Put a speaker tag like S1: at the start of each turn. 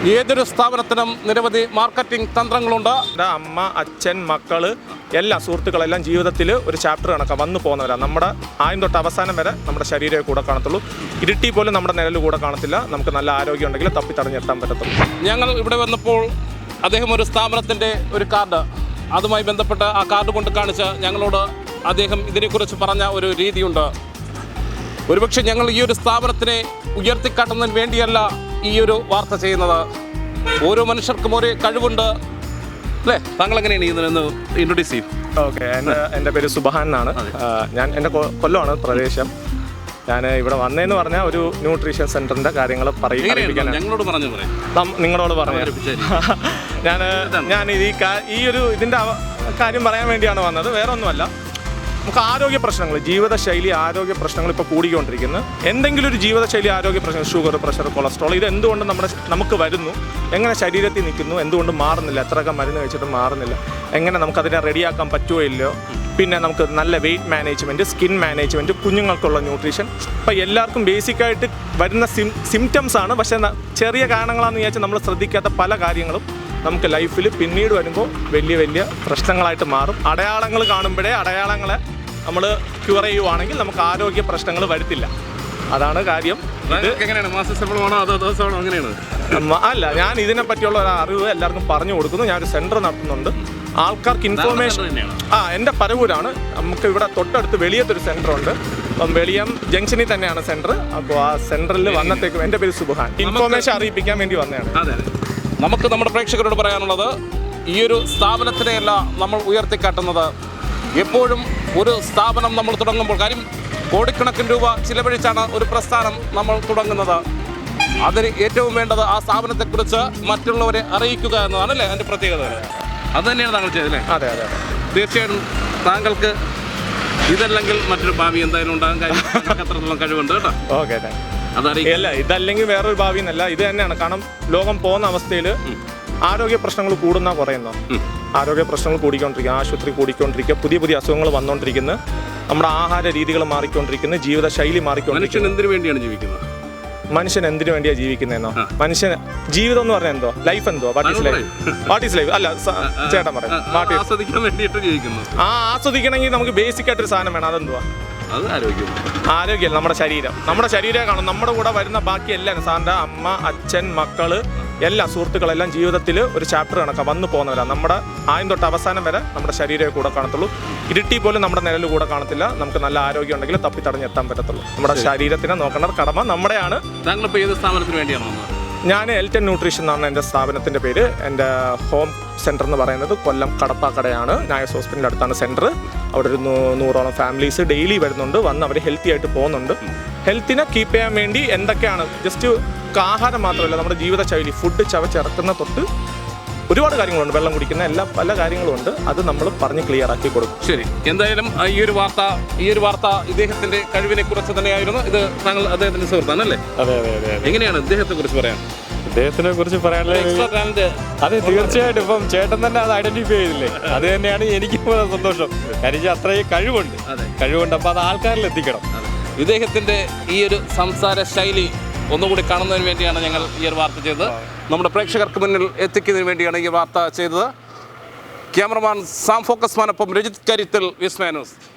S1: ഏതൊരു സ്ഥാപനത്തിനും നിരവധി മാർക്കറ്റിംഗ് തന്ത്രങ്ങളുണ്ട്.
S2: അമ്മ, അച്ഛൻ, മക്കള് എല്ലാ സുഹൃത്തുക്കളെല്ലാം ജീവിതത്തിൽ ഒരു ചാപ്റ്റർ കണക്കാം വന്നു പോകുന്നവരാണ്. നമ്മുടെ ആദ്യം തൊട്ട് അവസാനം വരെ നമ്മുടെ ശരീരമേ കൂടെ കാണത്തുള്ളൂ. ഇരുട്ടി പോലും നമ്മുടെ നിഴൽ കൂടെ കാണത്തില്ല. നമുക്ക് നല്ല ആരോഗ്യം ഉണ്ടെങ്കിൽ തപ്പി തടഞ്ഞെത്താൻ പറ്റത്തുള്ളൂ.
S1: ഞങ്ങൾ ഇവിടെ വന്നപ്പോൾ അദ്ദേഹം ഒരു സ്ഥാപനത്തിൻ്റെ ഒരു കാർഡ്, അതുമായി ബന്ധപ്പെട്ട് ആ കാർഡ് കൊണ്ട് കാണിച്ച് ഞങ്ങളോട് അദ്ദേഹം ഇതിനെക്കുറിച്ച് പറഞ്ഞ ഒരു രീതിയുണ്ട്. ഒരുപക്ഷെ ഞങ്ങൾ ഈ ഒരു സ്ഥാപനത്തിനെ ഉയർത്തിക്കാട്ടുന്നതിന് വേണ്ടിയല്ല ഈ ഒരു വാർത്ത ചെയ്യുന്നത്. ഓരോ മനുഷ്യർക്കും ഒരേ കഴിവുണ്ട് അല്ലേ? താങ്കൾ എങ്ങനെയാണ് ഇതിനൊന്ന് ഇൻട്രൊഡ്യൂസ് ചെയ്യും?
S2: ഓക്കെ, എൻ്റെ പേര് സുബഹാൻ എന്നാണ്. ഞാൻ എൻ്റെ കൊല്ലമാണ് പ്രദേശം. ഞാൻ ഇവിടെ വന്നതെന്ന് പറഞ്ഞാൽ ഒരു ന്യൂട്രീഷൻ സെൻ്ററിൻ്റെ കാര്യങ്ങൾ
S1: ഞങ്ങളോട് പറഞ്ഞു
S2: നിങ്ങളോട് പറഞ്ഞു. ഞാൻ ഈ ഒരു ഇതിൻ്റെ കാര്യം പറയാൻ വേണ്ടിയാണ് വന്നത്, വേറെ ഒന്നുമല്ല. നമുക്ക് ആരോഗ്യ പ്രശ്നങ്ങൾ, ജീവിതശൈലി ആരോഗ്യ പ്രശ്നങ്ങൾ ഇപ്പോൾ കൂടിക്കൊണ്ടിരിക്കുന്നു. എന്തെങ്കിലും ഒരു ജീവിതശൈലി ആരോഗ്യ പ്രശ്നങ്ങൾ, ഷുഗർ, പ്രഷർ, കൊളസ്ട്രോൾ, ഇത് എന്തുകൊണ്ട് നമുക്ക് വരുന്നു, എങ്ങനെ ശരീരത്തിൽ നിൽക്കുന്നു, എന്തുകൊണ്ട് മാറുന്നില്ല, എത്രയൊക്കെ മരുന്ന് കഴിച്ചിട്ട് മാറുന്നില്ല, എങ്ങനെ നമുക്കതിനെ റെഡിയാക്കാൻ പറ്റുമോ ഇല്ലയോ, പിന്നെ നമുക്ക് നല്ല വെയിറ്റ് മാനേജ്മെൻറ്റ്, സ്കിൻ മാനേജ്മെൻറ്റ്, കുഞ്ഞുങ്ങൾക്കുള്ള ന്യൂട്രീഷൻ, ഇപ്പോൾ എല്ലാവർക്കും ബേസിക്കായിട്ട് വരുന്ന സിംറ്റംസ് ആണ്. പക്ഷേ ചെറിയ കാരണങ്ങളാണെന്ന് വിചാരിച്ചാൽ നമ്മൾ ശ്രദ്ധിക്കാത്ത പല കാര്യങ്ങളും നമുക്ക് ലൈഫിൽ പിന്നീട് വരുമ്പോൾ വലിയ വലിയ പ്രശ്നങ്ങളായിട്ട് മാറും. അടയാളങ്ങൾ കാണുമ്പോഴേ അടയാളങ്ങളെ നമ്മൾ ക്യൂർ ചെയ്യുവാണെങ്കിൽ നമുക്ക് ആരോഗ്യ പ്രശ്നങ്ങൾ വരുത്തില്ല. അതാണ് കാര്യം. അല്ല, ഞാൻ ഇതിനെ പറ്റിയുള്ള ഒരു അറിവ് എല്ലാവർക്കും പറഞ്ഞു കൊടുക്കുന്നു. ഞാനൊരു സെൻറ്റർ നടത്തുന്നുണ്ട്. ആൾക്കാർക്ക് ഇൻഫോർമേഷൻ എൻ്റെ പരവൂരാണ്. നമുക്ക് ഇവിടെ തൊട്ടടുത്ത് വെളിയത്തൊരു സെൻറ്ററുണ്ട്. അപ്പം വെളിയം ജംഗ്ഷനിൽ തന്നെയാണ് സെൻറ്റർ. അപ്പോൾ ആ സെൻറ്ററിൽ വന്നത്തേക്കും എൻ്റെ പേര് സുബഹാൻ. ഇൻഫോർമേഷൻ അറിയിപ്പിക്കാൻ വേണ്ടി വന്നതാണ്.
S1: നമുക്ക് നമ്മുടെ പ്രേക്ഷകരോട് പറയാനുള്ളത്, ഈ ഒരു സ്ഥാപനത്തിനെയല്ല നമ്മൾ ഉയർത്തിക്കാട്ടുന്നത്. എപ്പോഴും ഒരു സ്ഥാപനം നമ്മൾ തുടങ്ങുമ്പോൾ, കാര്യം കോടിക്കണക്കിന് രൂപ ചിലവഴിച്ചാണ് ഒരു പ്രസ്ഥാനം നമ്മൾ തുടങ്ങുന്നത്. അതിന് ഏറ്റവും വേണ്ടത് ആ സ്ഥാപനത്തെക്കുറിച്ച് മറ്റുള്ളവരെ അറിയിക്കുക എന്നതാണല്ലേ അതിൻ്റെ പ്രത്യേകത. അത് തന്നെയാണ് താങ്കൾ ചെയ്തല്ലേ?
S2: അതെ അതെ,
S1: തീർച്ചയായും താങ്കൾക്ക് ഇതല്ലെങ്കിൽ മറ്റൊരു ഭാവി എന്തായാലും ഉണ്ടാകാൻ കാര്യം അത്രത്തോളം കഴിവുണ്ട് കേട്ടോ.
S2: ഓക്കെ, അതറിയില്ല. ഇതല്ലെങ്കിൽ വേറൊരു ഭാവി എന്നല്ല, ഇത് തന്നെയാണ്. കാരണം ലോകം പോകുന്ന അവസ്ഥയിൽ ആരോഗ്യ പ്രശ്നങ്ങൾ കൂടുന്ന കുറയുന്നു. ആരോഗ്യ പ്രശ്നങ്ങൾ കൂടിക്കൊണ്ടിരിക്കുക, ആശുപത്രി കൂടിക്കൊണ്ടിരിക്കുക, പുതിയ പുതിയ അസുഖങ്ങൾ വന്നുകൊണ്ടിരിക്കുന്നു, നമ്മുടെ ആഹാര രീതികൾ മാറിക്കൊണ്ടിരിക്കുന്നു, ജീവിതശൈലി മാറിക്കൊണ്ടിരിക്കുന്നു.
S1: എന്തിനു വേണ്ടിയാണ് ജീവിക്കുന്നത്?
S2: മനുഷ്യൻ എന്തിനു വേണ്ടിയാണ് ജീവിക്കുന്നതെന്നോ? മനുഷ്യൻ ജീവിതം എന്ന് പറഞ്ഞാൽ എന്തോ? ലൈഫ് എന്തോ? What is life? അല്ല, ചേട്ടൻ പറയാം. ആസ്വദിക്കണമെങ്കിൽ നമുക്ക് ബേസിക് ആയിട്ടൊരു സാധനം വേണം. അതെന്തുവാ?
S1: അത്
S2: ആരോഗ്യമല്ല, നമ്മുടെ ശരീരം. നമ്മുടെ ശരീരം കാണും. നമ്മുടെ കൂടെ വരുന്ന ബാക്കി എല്ലാം സാറിൻ്റെ അമ്മ, അച്ഛൻ, മക്കള്, എല്ലാ സുഹൃത്തുക്കളെല്ലാം ജീവിതത്തിൽ ഒരു ചാപ്റ്റർ കണക്കാം വന്നു പോകുന്നവരാണ്. നമ്മുടെ ആദ്യം തൊട്ട് അവസാനം വരെ നമ്മുടെ ശരീരമേ കൂടെ കാണത്തുള്ളൂ. ഇരുട്ടി പോലും നമ്മുടെ നിഴൽ കൂടെ കാണത്തില്ല. നമുക്ക് നല്ല ആരോഗ്യം ഉണ്ടെങ്കിൽ തപ്പി തടഞ്ഞെത്താൻ പറ്റത്തുള്ളൂ. നമ്മുടെ ശരീരത്തിനെ നോക്കേണ്ട കടമ നമ്മുടെയാണ്.
S1: താങ്കളിപ്പോൾ ഏത് സ്ഥാപനത്തിന് വേണ്ടിയാണ്?
S2: ഞാൻ എൽറ്റൻ ന്യൂട്രീഷൻ എന്നാണ് എൻ്റെ സ്ഥാപനത്തിൻ്റെ പേര്. എൻ്റെ ഹോം സെൻറ്റർ എന്ന് പറയുന്നത് കൊല്ലം കടപ്പാക്കടയാണ്. നായസ് ഹോസ്പിറ്റലിൻ്റെ അടുത്താണ് സെൻറ്റർ. അവിടെ ഒരു 100ഓളം ഫാമിലീസ് ഡെയിലി വരുന്നുണ്ട്. വന്ന് അവർ ഹെൽത്തി ആയിട്ട് പോകുന്നുണ്ട്. ഹെൽത്തിനെ കീപ്പ് ചെയ്യാൻ വേണ്ടി എന്തൊക്കെയാണ്, ജസ്റ്റ് ആഹാരം മാത്രമല്ല, നമ്മുടെ ജീവിതശൈലി, ഫുഡ് ചവച്ചിറക്കുന്ന തൊട്ട് ഒരുപാട് കാര്യങ്ങളുണ്ട്. വെള്ളം കുടിക്കുന്ന പല കാര്യങ്ങളുമുണ്ട്. അത് നമ്മൾ പറഞ്ഞ് ക്ലിയർ ആക്കി കൊടുക്കും.
S1: ശരി, എന്തായാലും ഈ ഒരു വാർത്ത ഇദ്ദേഹത്തിന്റെ കഴിവിനെ കുറിച്ച് തന്നെയായിരുന്നു. ഇത് താങ്കൾ അദ്ദേഹത്തിന്റെ സുഹൃത്താണല്ലേ?
S2: അതെ അതെ അതെ.
S1: എങ്ങനെയാണ് ഇദ്ദേഹത്തെ കുറിച്ച് പറയാൻ?
S2: ഇദ്ദേഹത്തിനെ കുറിച്ച് പറയാനുള്ളത്, അതെ, തീർച്ചയായിട്ടും ഇപ്പം ചേട്ടൻ തന്നെ അത് ഐഡന്റിഫൈ ചെയ്തില്ലേ? അത് തന്നെയാണ് എനിക്ക് സന്തോഷം. കാര്യം അത്രയും കഴിവുണ്ട്. അപ്പോൾ അത് ആൾക്കാരിൽ എത്തിക്കണം.
S1: ഇദ്ദേഹത്തിന്റെ ഈ ഒരു സംസാര ശൈലി ഒന്നുകൂടി കാണുന്നതിന് വേണ്ടിയാണ് ഞങ്ങൾ ഈ ഒരു വാർത്ത ചെയ്തത്. നമ്മുടെ പ്രേക്ഷകർക്ക് മുന്നിൽ എത്തിക്കുന്നതിന് വേണ്ടിയാണ് ഈ വാർത്ത ചെയ്തത്. ക്യാമറമാൻ സാം ഫോക്കസ്മാനൊപ്പം രജിത് കരിത്തിൽ, വിസ്മയ ന്യൂസ്.